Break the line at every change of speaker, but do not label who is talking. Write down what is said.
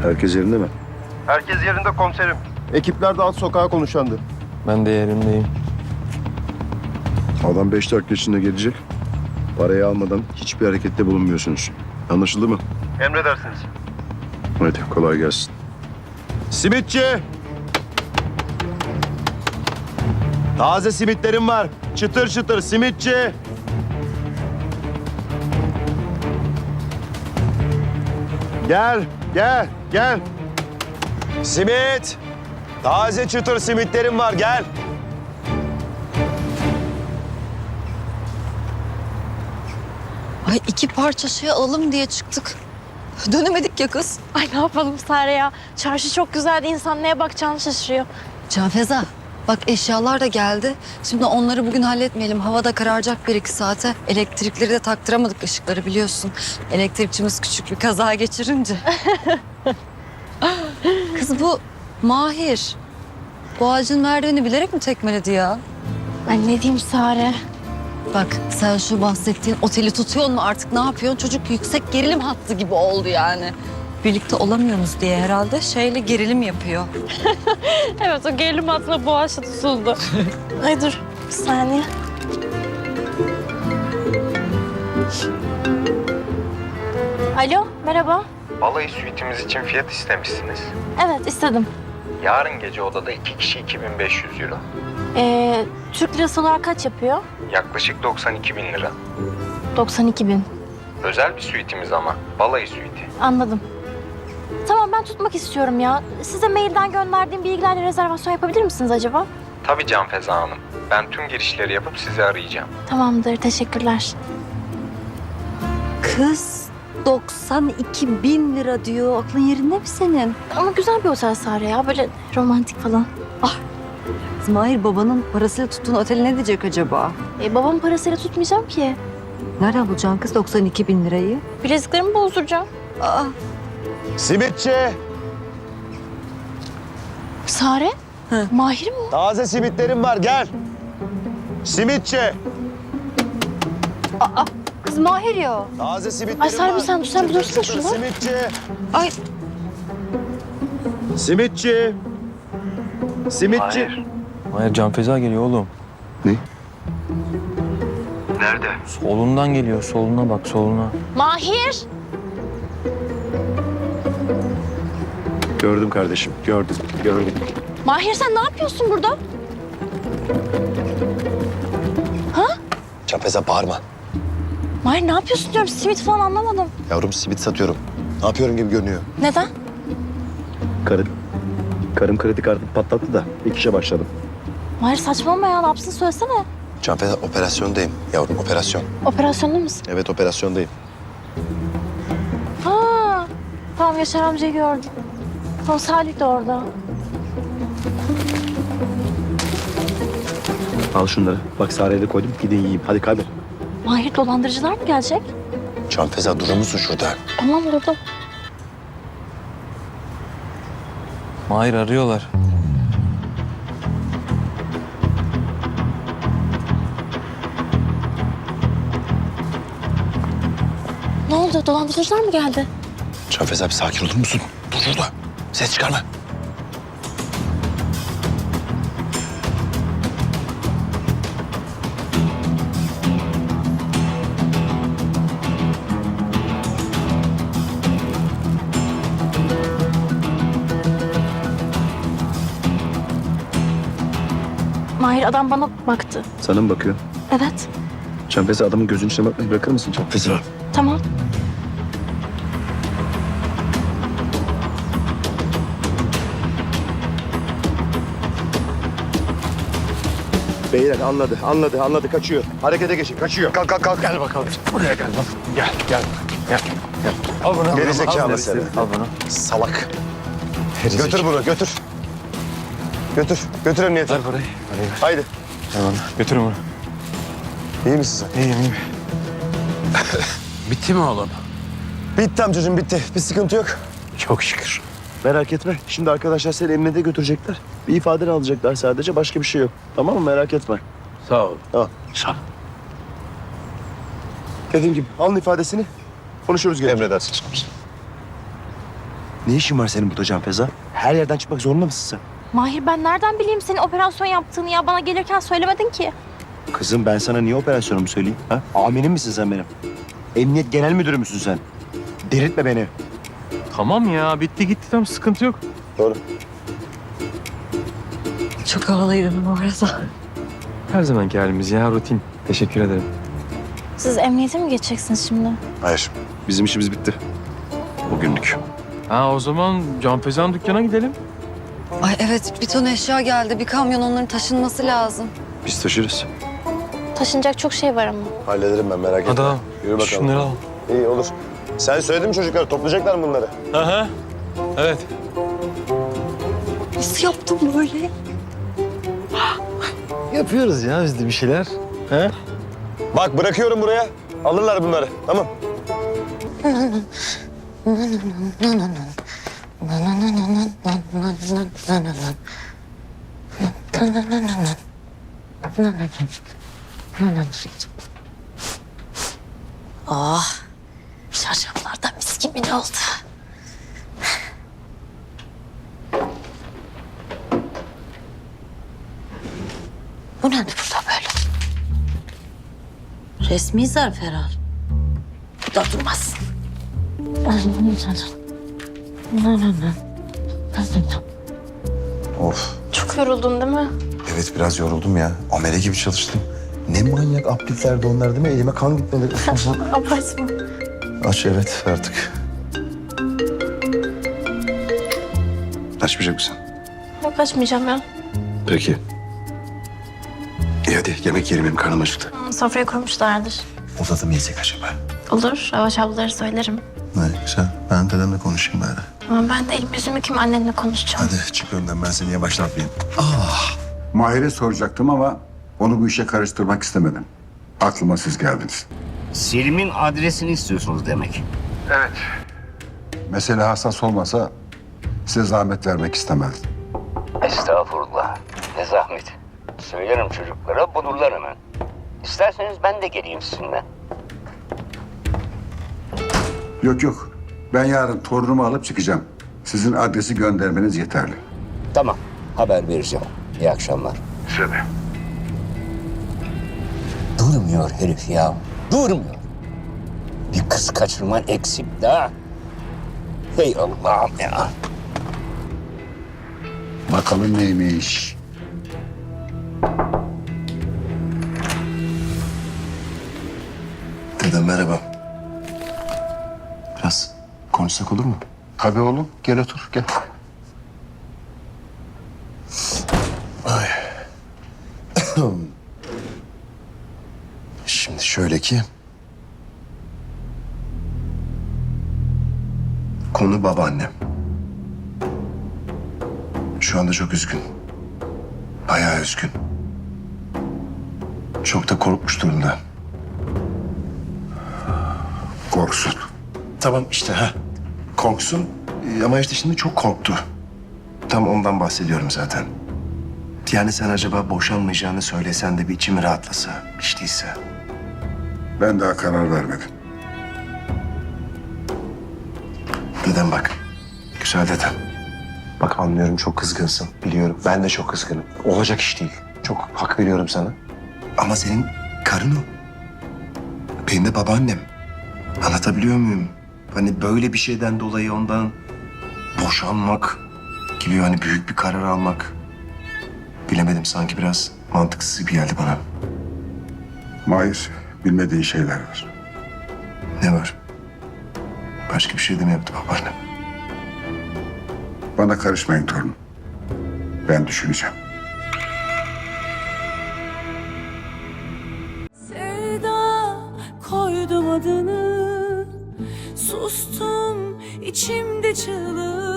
Herkes yerinde mi?
Herkes yerinde komiserim. Ekipler de alt sokağa konuşandı.
Ben de yerimdeyim.
Adam 5 dakika içinde gelecek. Parayı almadan hiçbir harekette bulunmuyorsunuz. Anlaşıldı mı?
Emredersiniz.
Hadi kolay gelsin. Simitçi! Taze simitlerim var. Çıtır çıtır simitçi. Gel, gel. Simit! Taze çıtır simitlerim var, gel.
Ay 2 parça şey alalım diye çıktık. Dönemedik ya kız.
Ay ne yapalım Sare ya? Çarşı çok güzeldi. İnsan neye bakacağını şaşırıyor.
Canfeza bak eşyalar da geldi. Şimdi onları bugün halletmeyelim. Hava da kararacak 1-2 saate. Elektrikleri de taktıramadık ışıkları biliyorsun. Elektrikçimiz küçük bir kaza geçirince. Kız bu Mahir. Bu ağacın merdiveni bilerek mi tekmeledi ya?
Ay ne diyeyim Sare?
Bak sen şu bahsettiğin oteli tutuyor mu artık ne yapıyorsun? Çocuk yüksek gerilim hattı gibi oldu yani. Birlikte olamıyorsunuz diye herhalde şeyle gerilim yapıyor.
Evet o gerilim altına boğaçla tutuldu. Ay dur bir saniye. Alo merhaba.
Balayı suitimiz için fiyat istemişsiniz.
Evet istedim.
Yarın gece odada 2 kişi 2500 euro.
Türk lirası olarak kaç yapıyor?
Yaklaşık 92 bin lira.
92 bin.
Özel bir suitimiz ama. Balayı suiti.
Anladım. Tamam ben tutmak istiyorum ya. Size mailden gönderdiğim bilgilerle rezervasyon yapabilir misiniz acaba?
Tabii Canfeza Hanım. Ben tüm girişleri yapıp sizi arayacağım.
Tamamdır teşekkürler.
Kız 92.000 lira diyor. Aklın yerinde mi senin?
Ama güzel bir otel Sare ya. Böyle romantik falan.
Mahir babanın parasıyla tuttuğun oteli ne diyecek acaba?
Babamın parasıyla tutmayacağım ki.
Nereden bulacaksın kız 92.000 lirayı?
Bileziklerimi bozduracağım.
Aa,
Simitçi!
Sare?
Hı.
Mahir mi o?
Taze simitlerim var, gel. Simitçi!
kız Mahir ya.
Taze simitlerim
Ay Sarbi
var.
sen bir dursana
Çıtır
şurada.
Simitçi!
Ay
Simitçi! Simitçi!
Hayır Canfeza geliyor oğlum.
Nerede?
Solundan geliyor. Soluna bak soluna.
Mahir!
Gördüm kardeşim, gördüm.
Mahir sen ne yapıyorsun burada?
Canfeza bağırma.
Mahir ne yapıyorsun diyorum. Simit falan anlamadım.
Yavrum simit satıyorum. Ne yapıyorum gibi görünüyor.
Neden?
Karım kredi kartını patlattı da ilk işe başladım.
Mahir saçmalama ya. Ne yapsın söylesene.
Canfeza operasyondayım. Yavrum operasyon.
Operasyonda mısın?
Evet operasyondayım.
Ha, tamam Yaşar amcayı gördüm. Tamam Salih de orada.
Al şunları. Bak Sare'ye de koydum. Gidin yiyeyim. Hadi kaybol.
Mahir dolandırıcılar mı gelecek?
Canfeza durur musun şurada?
Tamam durdum.
Mahir arıyorlar.
Ne oldu? Dolandırıcılar mı geldi?
Canfeza bir sakin olur musun? Dur şurada. Ses çıkarma.
Mahir adam bana baktı.
Sana mı bakıyor?
Evet.
Canfeza adamın gözünün içine bakmayı bırakır mısın Canfeza?
Tamam.
Beyler anladı kaçıyor. Harekete geçin kaçıyor. Kalk. Gel bakalım. Buraya gel bak. Gel.
Al bunu.
Gerizekalı seni.
Al bunu.
Salak.
Götür bunu götür. Götür emniyete.
Ver parayı. Parayı ver.
Haydi.
Ver bana. Götürün bunu.
İyi misin sen?
İyiyim.
Bitti mi oğlum?
Bitti amcacığım bitti. Bir sıkıntı yok.
Çok şükür.
Merak etme. Şimdi arkadaşlar seni emniyete götürecekler. Bir ifadeni alacaklar sadece. Başka bir şey yok. Tamam mı? Merak etme.
Sağ ol.
Tamam.
Sağ ol.
Dediğim gibi alın ifadesini. Konuşuruz gene.
Emredersiniz komiserim.
Ne işin var senin burada Can Feza? Her yerden çıkmak zorunda mısın sen?
Mahir ben nereden bileyim senin operasyon yaptığını ya? Bana gelirken söylemedin ki.
Kızım ben sana niye operasyonumu söyleyeyim? Ha? Amirim misin sen benim? Emniyet genel müdürü müsün sen? Delirtme beni.
Tamam ya bitti gitti tamam sıkıntı yok.
Doğru.
Çok havalıydım bu arada.
Her zamanki halimiz ya rutin. Teşekkür ederim.
Siz emniyete mi geçeceksiniz şimdi?
Hayır. Bizim işimiz bitti. Bugünlük.
Ha o zaman Can Feza'nın dükkana gidelim.
Ay evet bir ton eşya geldi. Bir kamyon onların taşınması lazım.
Biz taşırız.
Taşınacak çok şey var ama.
Hallederim ben merak etme.
Hadi al.
Yürü bakalım.
Şunları al.
İyi olur. Sen söyledin mi çocuklar? Toplayacaklar mı bunları?
Aha. Evet.
Nasıl yaptım böyle?
Yapıyoruz ya biz de bir şeyler. He?
Bak bırakıyorum buraya. Alırlar bunları. Tamam.
Oh, çarşaflardan mis gibi ne oldu? Bu ne burada böyle?
Resmi zarf herhal.
Bu da durmaz.
Of.
Çok yoruldun değil mi?
Evet biraz yoruldum ya. Amele gibi çalıştım. Ne manyak apliklerdi onlar değil mi? Elime kan gitmedi.
Abartma.
Aç evet artık. Açmayacak mısın?
Yok açmayacağım ya.
Peki. İyi hadi yemek yiyelim benim karnım acıktı.
Sofraya koymuşlardır.
Odada mı yesek acaba?
Olur, Avaş ablaları söylerim.
Ne güzel. Ben dedemle konuşayım bari.
Ama ben de elim yüzümü kim annenle konuşacağım.
Hadi çık önden ben seni yavaşlatmayayım.
Mahir'e soracaktım ama onu bu işe karıştırmak istemedim. Aklıma siz geldiniz.
Selim'in adresini istiyorsunuz demek.
Evet.
Mesele hassas olmasa size zahmet vermek istemezdim.
Estağfurullah. Ne zahmet. Söylerim çocuklara bulurlar hemen. İsterseniz ben de geleyim sizinle.
Yok yok. Ben yarın torunumu alıp çıkacağım. Sizin adresi göndermeniz yeterli.
Tamam. Haber vereceğim. İyi akşamlar.
Size de.
Durmuyor herif ya. Durmuyor. Bir kız kaçırman eksik daha. Hey Allah'ım ya.
Bakalım neymiş.
Dedem merhaba. Biraz konuşsak olur mu?
Tabii oğlum. Gel otur. Gel.
Ay. Şimdi şöyle ki... Konu babaannem. Şu anda çok üzgün. Bayağı üzgün. Çok da korkmuş durumda.
Korksun.
Tamam işte ha. Korksun ama işte şimdi çok korktu. Tam ondan bahsediyorum zaten. Yani sen acaba boşanmayacağını söylesen de bir içimi rahatlasa, hiç değilse.
Ben daha karar vermedim.
Dedem bak, güzel dedem. Bak anlıyorum çok kızgınsın, biliyorum. Ben de çok kızgınım. Olacak iş değil. Çok hak veriyorum sana. Ama senin karın o. Benim de babaannem. Anlatabiliyor muyum? Hani böyle bir şeyden dolayı ondan boşanmak gibi hani büyük bir karar almak. Bilemedim sanki biraz mantıksız gibi geldi bana.
Mahir, bilmediğin şeyler var.
Ne var? Başka bir şey de mi yaptı babaannem?
Bana karışmayın torunum. Ben düşüneceğim.
Sevda koydum adını, sustum içimde çığlık.